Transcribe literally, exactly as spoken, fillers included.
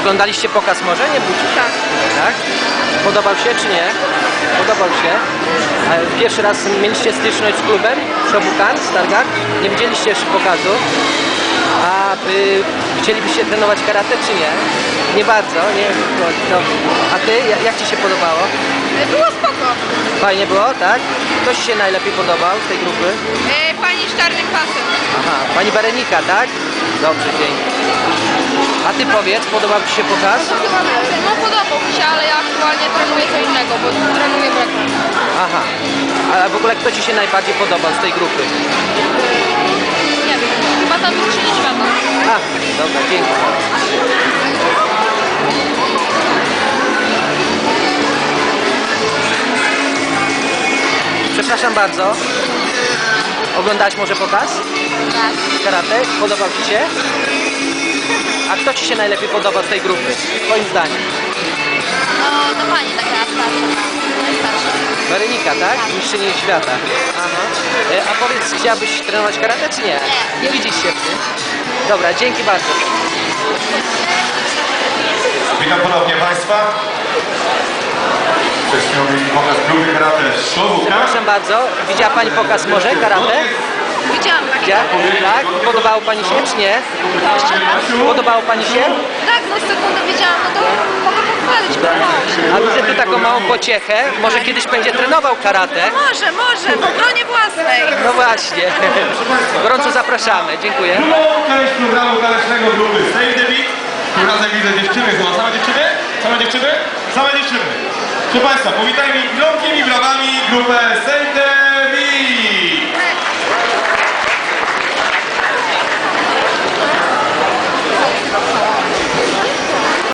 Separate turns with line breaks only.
Oglądaliście pokaz może? Nie budzi?
Tak.
Tak? Podobał się czy nie? Podobał się. A pierwszy raz mieliście styczność z klubem Shobukan, Stargard? Nie widzieliście jeszcze pokazu? A y, chcielibyście trenować karate czy nie? Nie bardzo, nie? No. A ty, jak, jak ci się podobało?
Było spoko.
Fajnie było, tak? Kto ci się najlepiej podobał z tej grupy?
E, pani z czarnym pasem.
Aha, pani Berenika, tak? Dobrze, dzięki. A ty powiedz, podobał ci się pokaz?
No podobał mi się, ale ja aktualnie trenuję co innego, bo trenuję breakman.
Aha. A w ogóle kto ci się najbardziej podobał z tej grupy?
Nie wiem, chyba ta drużyna świata.
A, dobra, dzięki. Przepraszam bardzo. Oglądałaś może pokaz?
Tak.
Karate? Podobał ci się? A kto ci się najlepiej podobał z tej grupy? Twoim zdaniem?
No to pani taka starsza, najstarsza.
Berenika, tak? Mistrzyni świata. Aha. E, A powiedz, chciałabyś trenować karate czy nie?
Nie.
Nie widzisz się w tym? Dobra, dzięki bardzo.
Witam ponownie Państwa. Przed chwilą mieli pokaz grupy karate Shobukan.
Przepraszam bardzo, widziała Pani pokaz może karate?
Widziałam tak.
Widziała? Tak? Podobało Pani się czy nie? Podobało Pani się?
Tak, no sekundę widziałam, no to mogę pochwalić, podobało się.
A widzę tu taką małą pociechę. Może kiedyś będzie trenował karate?
Może, może, w obronie własnej.
No właśnie. Gorąco zapraszamy. Dziękuję.
Drugą część programu tanecznego grupy Save the Beat. Tym razem widzę dziewczyny. Chyba same dziewczyny? Same dziewczyny? Same dziewczyny. Proszę Państwa, powitajmy gromkimi brawami grupę Save the Beat.